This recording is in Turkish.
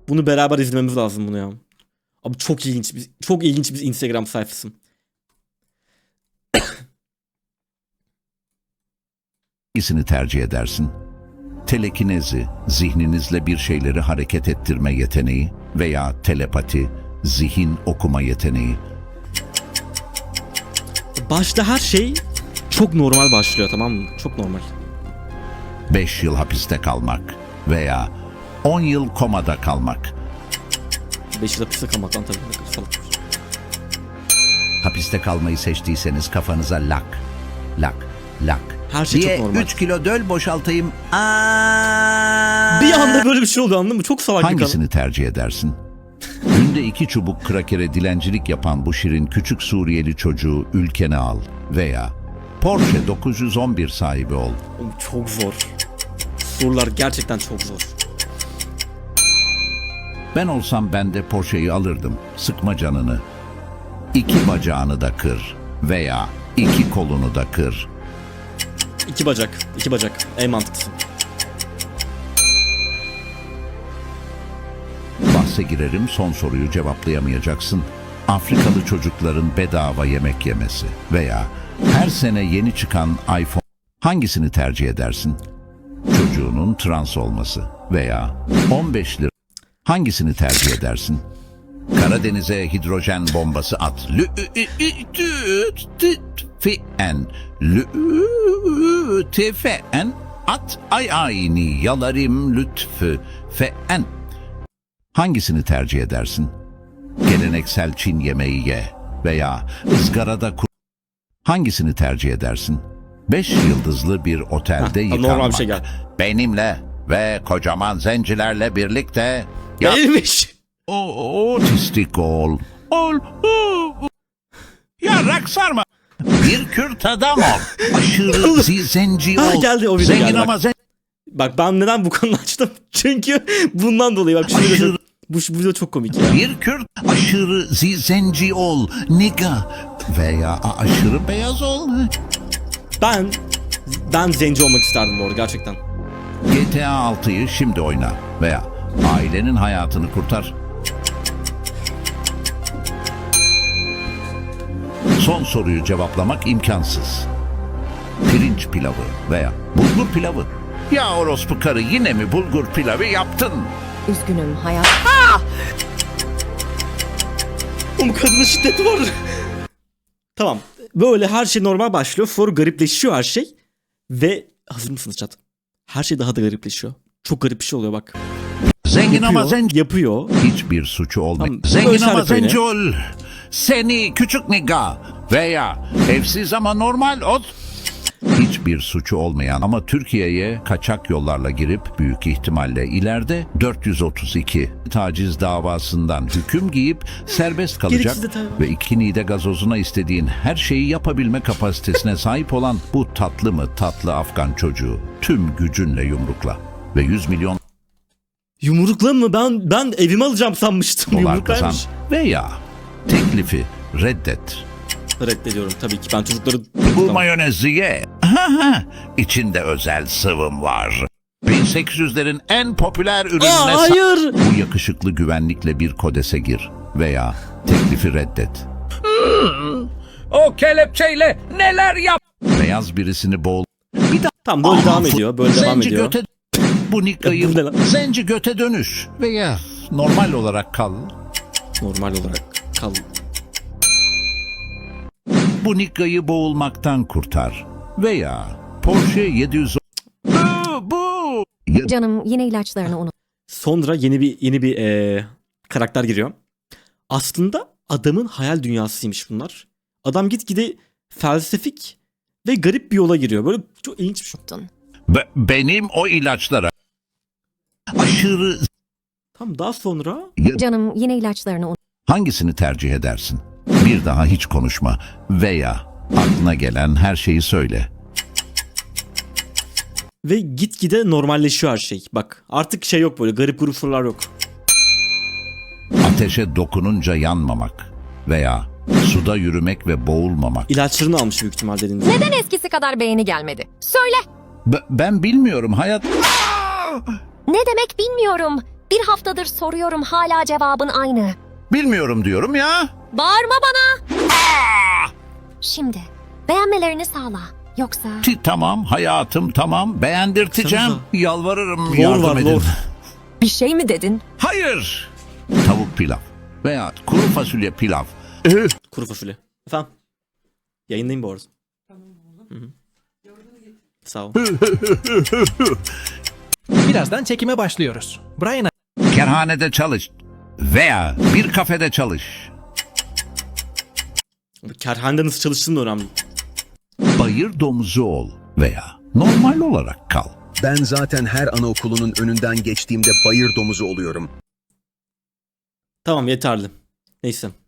Bunu beraber izlememiz lazım bunu ya. Abi çok ilginç çok ilginç bir Instagram sayfası. Hangisini tercih edersin? Telekinezi, zihninizle bir şeyleri hareket ettirme yeteneği veya telepati, zihin okuma yeteneği. Başta her şey çok normal başlıyor, tamam mı? Çok normal. 5 yıl hapiste kalmak veya 10 yıl komada kalmak. 5 yıl hapiste kalmaktan tabii ne kadar salak. Hapiste kalmayı seçtiyseniz kafanıza lak. Her şey diye çok normal. 3 kilo döl boşaltayım. Bir anda böyle bir şey oldu, anladın mı? Çok salak bir kanal. Hangisini tercih edersin? Günde 2 çubuk krakere dilencilik yapan bu şirin küçük Suriyeli çocuğu ülkene al veya Porsche 911 sahibi ol. Oğlum çok zor. Sorular gerçekten çok zor. Ben olsam ben de Porsche'yi alırdım. Sıkma canını. 2 bacağını da kır veya 2 kolunu da kır. 2 bacak. 2 bacak. En mantıklısı. Bahse girerim, son soruyu cevaplayamayacaksın. Afrikalı çocukların bedava yemek yemesi veya her sene yeni çıkan iPhone. Hangisini tercih edersin? Çocuğunun trans olması veya 15 lira. Hangisini tercih edersin? Karadeniz'e hidrojen bombası at. Lütfen at ayni yalarım lütfen. Hangisini tercih edersin? Geleneksel Çin yemeği ye veya ızgarada Hangisini tercih edersin? 5 yıldızlı bir otelde normal yıkanmak. bir şey gel. Benimle ve kocaman zencilerle birlikte Neymiş? otistik ol. Yarrak sarma. Bir Kürt adam ol. Aşırı zenci ol. Geldi o video, Zengin geldi bak. ama zenci. Bak ben neden bu konuyu açtım? Çünkü bundan dolayı bak şunu Aşırı- bu video çok komik ya. Bir Kürt aşırı zenci ol. Nigga. Veya aşırı beyaz ol. Ben zenci olmak isterdim bu arada gerçekten. GTA 6'yı şimdi oyna. Veya ailenin hayatını kurtar. Son soruyu cevaplamak imkansız. Pirinç pilavı veya bulgur pilavı. Ya orospu karı, yine mi bulgur pilavı yaptın? Üzgünüm hayat. Oğlum kadına şiddet var. Tamam. Böyle her şey normal başlıyor. Sonra garipleşiyor her şey. Ve hazır mısınız chat? Her şey daha da garipleşiyor. Çok garip bir şey oluyor bak. Zengin ama Yapıyor, zenci. yapıyor. Hiçbir suçu olmayan. Tamam, Zengin böyle ama işaret zenci ol. Seni küçük nigga. Veya evsiz ama normal ol. Hiçbir suçu olmayan ama Türkiye'ye kaçak yollarla girip büyük ihtimalle ileride 432 taciz davasından hüküm giyip serbest kalacak Gereksiz detay var. ve 2 nide gazozuna istediğin her şeyi yapabilme kapasitesine sahip olan bu tatlı mı tatlı Afgan çocuğu tüm gücünle yumrukla ve 100 milyon Yumrukla mı? Ben evime alacağım sanmıştım. dolar kazan Yumruklaymış. veya teklifi reddet. Reddediyorum tabii ki. Ben çocukları... Bu mayonezi ye. İçinde özel sıvım var. 1800'lerin en popüler ürününe Hayır. bu yakışıklı güvenlikle bir kodese gir veya teklifi reddet. O kelepçeyle neler yap? Beyaz birisini boğul. Tamam böyle devam ediyor. Böyle devam Zenci ediyor. göte bu nikayı Ya bu ne lan? zenci göte dönüş veya normal olarak kal. Normal olarak kal. Bu nikayı boğulmaktan kurtar veya Porsche 700 bu Canım yine ilaçlarını unut. Sonra yeni bir karakter giriyor. Aslında adamın hayal dünyasıymış bunlar. Adam gitgide felsefik ve garip bir yola giriyor. Böyle çok ilginç bir şey. benim o ilaçlara aşırı. Tamam daha sonra Canım yine ilaçlarını unut. Hangisini tercih edersin? Bir daha hiç konuşma veya aklına gelen her şeyi söyle. ve gitgide normalleşiyor her şey. Bak artık şey yok, böyle garip grup sorular yok. Ateşe dokununca yanmamak veya suda yürümek ve boğulmamak. İlaçlarını almış büyük ihtimal dediğiniz. Neden eskisi kadar beğeni gelmedi? Söyle. Ben bilmiyorum hayat. Ne demek bilmiyorum. Bir haftadır soruyorum, hala cevabın aynı. Bilmiyorum diyorum ya. Bağırma bana. Şimdi beğenmelerini sağla. Yoksa... Tamam hayatım tamam beğendirteceğim. Baksanıza. Yalvarırım Lor yardım var edin. lor. Bir şey mi dedin? Hayır. Tavuk pilav veya kuru fasulye pilav. Kuru fasulye. Efendim? Yayındayım bu arada. Hı-hı. Sağ ol. Birazdan çekime başlıyoruz. Brian Kerhanede çalış veya bir kafede çalış. Kerhanede nasıl çalıştığın da önemli. Bayır domuzu ol veya normal olarak kal. Ben zaten her anaokulunun önünden geçtiğimde bayır domuzu oluyorum. Tamam yeterli. Neyse.